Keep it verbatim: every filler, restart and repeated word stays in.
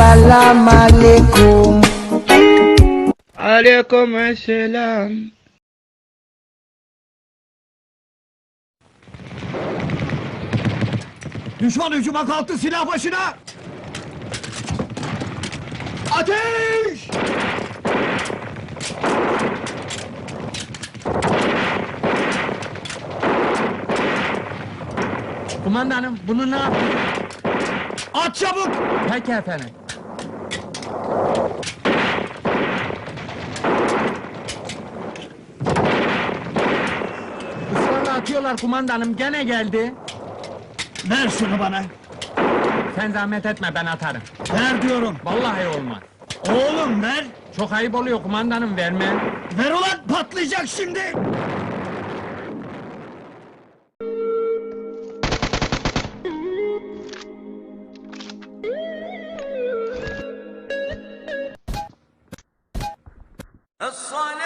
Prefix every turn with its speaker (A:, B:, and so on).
A: Salam alaikum.
B: Aleyküm selam.
C: Düşman hücuma kalktı, silah başına! Ateş!
D: Kumandanım, bunu ne yapayım?
C: At çabuk!
D: Peki efendim. Israrla atıyorlar kumandanım, gene geldi.
C: Ver şunu bana!
D: Sen zahmet etme, ben atarım.
C: Ver diyorum!
D: Vallahi olmaz.
C: Oğlum ver!
D: Çok ayıp oluyor kumandanım, vermem.
C: Ver ulan, patlayacak şimdi!
E: الصلاة